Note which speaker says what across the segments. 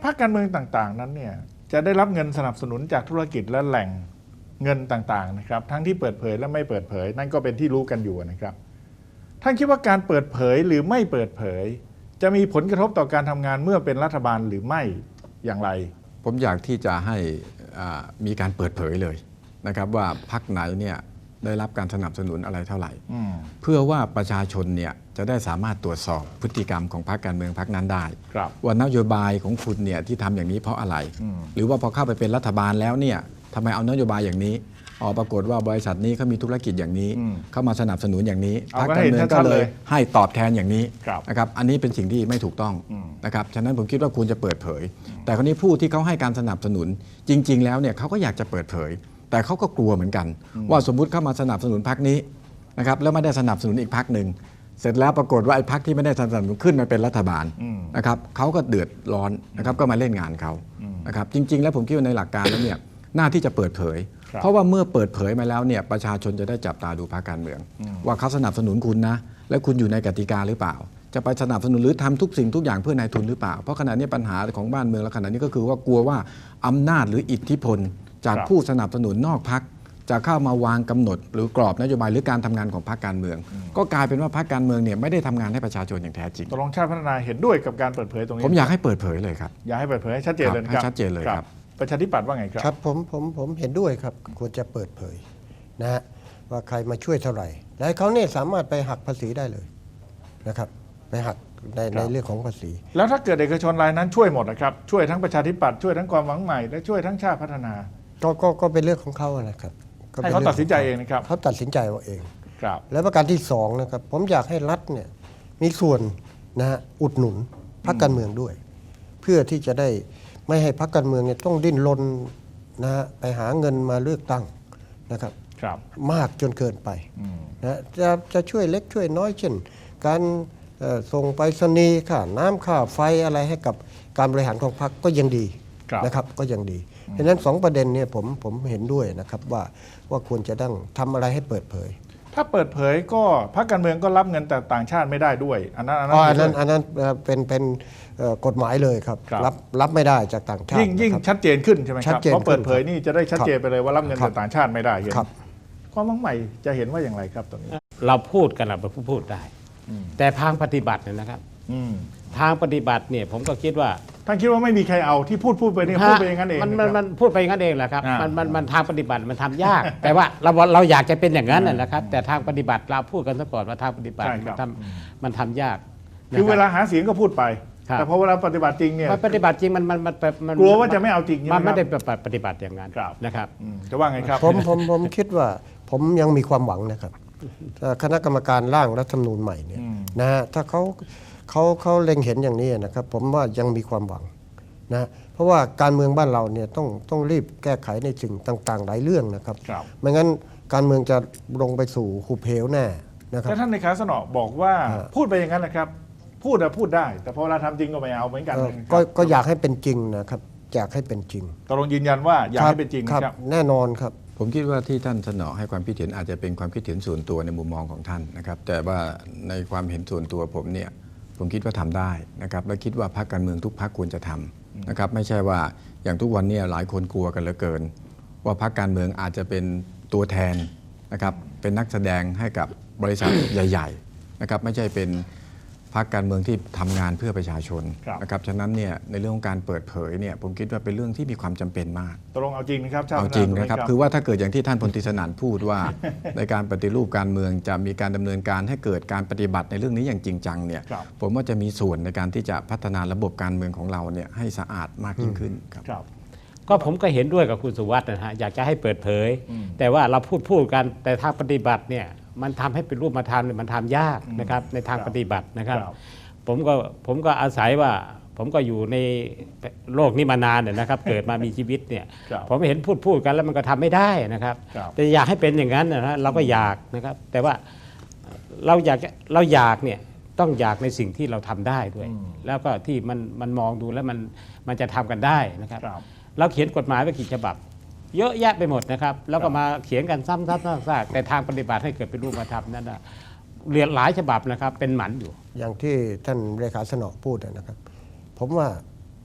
Speaker 1: รรคการเมืองต่างๆนั้นเนี่ยจะได้รับเงินสนับสนุนจากธุรกิจและแหล่งเงินต่างๆนะครับทั้งที่เปิดเผยและไม่เปิดเผยนั่นก็เป็นที่รู้กันอยู่นะครับท่านคิดว่าการเปิดเผยหรือไม่เปิดเผยจะมีผลกระทบต่อการทำงานเมื่อเป็นรัฐบาลหรือไม่อย่างไร
Speaker 2: ผมอยากที่จะให้มีการเปิดเผยเลยนะครับว่าพรรคไหนเนี่ยได้รับการสนับสนุนอะไรเท่าไหร่เพื่อว่าประชาชนเนี่ยจะได้สามารถตรวจสอบพฤติกรรมของพรรคการเมืองพรรคนั้นได้ว่านโยบายของคุณเนี่ยที่ทำอย่างนี้เพราะอะไรหรือว่าพอเข้าไปเป็นรัฐบาลแล้วเนี่ยทำไมเอานโยบายอย่างนี้ปรากฏว่าบริษัทนี้เขามีธุรกิจอย่างนี้เข้ามาสนับสนุนอย่างนี้พรรคการเมืองก็เลยให้ตอบแทนอย่างนี้นะครับอันนี้เป็นสิ่งที่ไม่ถูกต้องนะครับฉะนั้นผมคิดว่าคุณจะเปิดเผยแต่คนนี้ผู้ที่เขาให้การสนับสนุนจริงๆแล้วเนี่ยเขาก็อยากจะเปิดเผยแต่เขาก็กลัวเหมือนกันว่าสมมุติเข้ามาสนับสนุนพรรคนี้นะครับแล้วไม่ได้สนับสนุนอีกพรรคหนึ่งเสร็จแล้วปรากฏว่าไอ้พรรคที่ไม่ได้สนับสนุนขึ้นมาเป็นรัฐบาลนะครับเขาก็เดือดร้อนนะครับก็มาเล่นงานเขานะครับจริงๆแล้วผมคิดว่าในหลักการแล้วเนี่ยหน้าที่จะเปิดเผยเพราะว่าเมื่อเปิดเผยมาแล้วเนี่ยประชาชนจะได้จับตาดูพรรคการเมืองว่าเขาสนับสนุนคุณนะและคุณอยู่ในกติกาหรือเปล่าจะไปสนับสนุนหรือทำทุกสิ่งทุกอย่างเพื่อนายทุนหรือเปล่าเพราะขณะนี้ปัญหาของบ้านเมืองและขณะนี้ก็คือว่ากลัวว่าอำนาจหรืออิทธิพลจากผู้สนับสนุนนอกพรรคจะเข้ามาวางกำหนดหรือกรอบนโยบายหรือการทำงานของพรรคการเมืองก็กลายเป็นว่าพรรคการเมืองเนี่ยไม่ได้ทำงานให้ประชาชนอย่างแท้จริง
Speaker 1: ตกลงชาติพัฒนาเห็นด้วยกับการเปิดเผยตรงนี้
Speaker 2: ผมอยากให้เปิดเผยเลยครับ
Speaker 1: อยากให้เปิดเผยให้ชัดเจนเลยครับ
Speaker 2: ชัดเจนเลยครับ
Speaker 1: ประชาธิปัตย์ว่าไงครับ
Speaker 3: ครับผมเห็นด้วยครับควรจะเปิดเผยนะฮะว่าใครมาช่วยเท่าไหร่และเขาเนี่ยสามารถไปหักภาษีได้เลยนะครับไปหักในเรื่องของภาษี
Speaker 1: แล้วถ้าเกิดเอกชนรายนั้นช่วยหมดนะครับช่วยทั้งประชาธิปัตย์ช่วยทั้งความหวังใหม่และช่วยทั้งชาติพัฒนา
Speaker 3: ก็เป็นเรื่องของเขานะครับ
Speaker 1: ให้เขาตัดสินใจเองนะครับ
Speaker 3: เขาตัดสินใจเอาเอง
Speaker 1: ครับ
Speaker 3: แล้วประการที่สองนะครับผมอยากให้รัฐเนี่ยมีส่วนนะฮะอุดหนุนพรรคการเมืองด้วยเพื่อที่จะได้ไม่ให้พรรคการเมืองเนี่ยต้องดิ้นรนนะฮะไปหาเงินมาเลือกตั้งนะครับมากจนเกินไปนะจะช่วยเล็กช่วยน้อยเช่นการส่งไปรษณีย์ค่าน้ำค่าไฟอะไรให้กับการบริหารของพรรคก็ยังดีนะครับก็ยังดีเพราะฉะนั้น2ประเด็นเนี่ยผมเห็นด้วยนะครับว่าควรจะต้องทำอะไรให้เปิดเผย
Speaker 1: ถ้าเปิดเผยก็พรรคการเมืองก็รับเงินแต่ต่างชาติไม่ได้ด้วยอัน
Speaker 3: นั้นเป็นกฎหมายเลยครับรับไม่ได้จากต่างชาติ
Speaker 1: ยิ่งชัดเจนขึ้นใช่ไหมครับเพราะเปิดเผยนี่จะได้ชัดเจนไปเลยว่ารับเงินแต่ต่างชาติไม่ได้เห็นความหวังใหม่จะเห็นว่าอย่างไรครับตรงนี้
Speaker 4: เราพูดกันเราพูดได้แต่ทางปฏิบัติเนี่ยนะครับทางปฏิบัติเนี่ยผมก็คิดว่า
Speaker 1: ท่านคิดว่าไม่มีใครเอาที่พูดไปนี่พูดไปอย่างนั้นเอง
Speaker 4: มันพูดไปอย่างนั้นเองแหละครับมันทางปฏิบัติมันทำยากแต่ว่าเราอยากจะเป็นอย่างนั้นนะครับแต่ทางปฏิบัติเราพูดกันซะก่อนว่าทางปฏิบัติมันทำยาก
Speaker 1: คือเวลาหาเสียงก็พูดไปแต่พอเวลาปฏิบัติจริงเนี่ย
Speaker 4: ปฏิบัติจริงมัน
Speaker 1: กลัวว่าจะไม่เอาจริง
Speaker 4: มันไม่ได้ปฏิบัติอย่างนั้นนะครับ
Speaker 1: จะว่าไงครับ
Speaker 3: ผมคิดว่าผมยังมีความหวังนะครับคณะกรรมการร่างรัฐธรรมนูญใหม่เนี่ยนะฮะถ้าเขาเล็งเห็นอย่างนี้นะครับผมว่ายังมีความหวังนะเพราะว่าการเมืองบ้านเราเนี่ยต้องรีบแก้ไขในสิ่งต่างๆหลายเรื่องนะครับไม่งั้นการเมืองจะลงไปสู่หุบเหวแน่นะครับ
Speaker 1: แต่ท่านในขาสนอบอกว่าพูดไปอย่างนั้นนะครับพูดได้แต่พอเราทำจริงก็ไม่เอาเหมือนกัน
Speaker 3: ก็อยากให้เป็นจริงนะครับอยากให้เป็นจริง
Speaker 1: ตกลงยืนยันว่าอยากให้เป็นจริง
Speaker 3: ครับแน่นอนครับ
Speaker 2: ผมคิดว่าที่ท่านเสนอให้ความคิดเห็นอาจจะเป็นความคิดเห็นส่วนตัวในมุมมองของท่านนะครับแต่ว่าในความเห็นส่วนตัวผมคิดว่าทำได้นะครับและคิดว่าพรรคการเมืองทุกพรรคควรจะทำนะครับไม่ใช่ว่าอย่างทุกวันนี้หลายคนกลัวกันเหลือเกินว่าพรรคการเมืองอาจจะเป็นตัวแทนนะครับเป็นนักแสดงให้กับบริษัทใหญ่ๆนะครับไม่ใช่เป็นพรรคการเมืองที่ทำงานเพื่อประชาชนนะครับฉะนั้นเนี่ยในเรื่องของการเปิดเผยเนี่ยผมคิดว่าเป็นเรื่องที่มีความจำเป็นมาก
Speaker 1: ตกลงเอาจริงนะครับ
Speaker 2: เอาจริงนะครับคือว่าถ้าเกิดอย่างที่ท่านพลตรีสนั่นพูดว่า ในการปฏิรูปการเมืองจะมีการดำเนินการให้เกิดการปฏิบัติในเรื่องนี้อย่างจริงจังเนี่ยผมว่าจะมีส่วนในการที่จะพัฒนาระบบการเมืองของเราเนี่ยให้สะอาดมากยิ่งขึ้นครับ
Speaker 4: ก็ผมก็เห็นด้วยกับคุณสุวัฒน์นะฮะอยากจะให้เปิดเผยแต่ว่าเราพูดกันแต่ทางปฏิบัติเนี่ยมันทำให้เป็นรูปธรรมมันทำยากนะครับในทางปฏิบัตินะครับผมก็อาศัยว่าผมก็อยู่ในโลกนี้มานานเนี่ยนะครับเกิดมามีชีวิตเนี่ยผมเห็นพูดกันแล้วมันก็ทำไม่ได้นะครับแต่อยากให้เป็นอย่างนั้นนะเราก็อยากนะครับแต่ว่าเราอยากเนี่ยต้องอยากในสิ่งที่เราทำได้ด้วยแล้วก็ที่มันมองดูแล้วมันจะทำกันได้นะครับเราเขียนกฎหมายไว้กี่ฉบับเยอะแยะไปหมดนะครับแล้วก็มาเขียนกันซ้ำๆซากๆแต่ทางปฏิบัติให้เกิดเป็นรูปธรรมนั่นนะเรียนหลายฉบับนะครับเป็นหมันอยู่
Speaker 3: อย่างที่ท่านเลขาสนอพูดนะครับผมว่า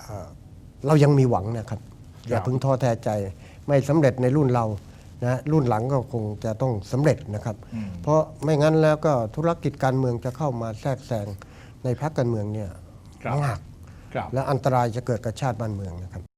Speaker 3: เรายังมีหวังนะครับ อย่าเพิ่งท้อแท้ใจ ไม่สำเร็จในรุ่นเรานะรุ่นหลังก็คงจะต้องสำเร็จนะครับ เพราะไม่งั้นแล้วก็ธุรกิจการเมืองจะเข้ามาแทรกแซงในพรรคการเมืองเนี่ย
Speaker 1: ครับ
Speaker 3: มาก
Speaker 1: ครับ
Speaker 3: และอันตรายจะเกิดกับชาติบ้านเมืองนะครับ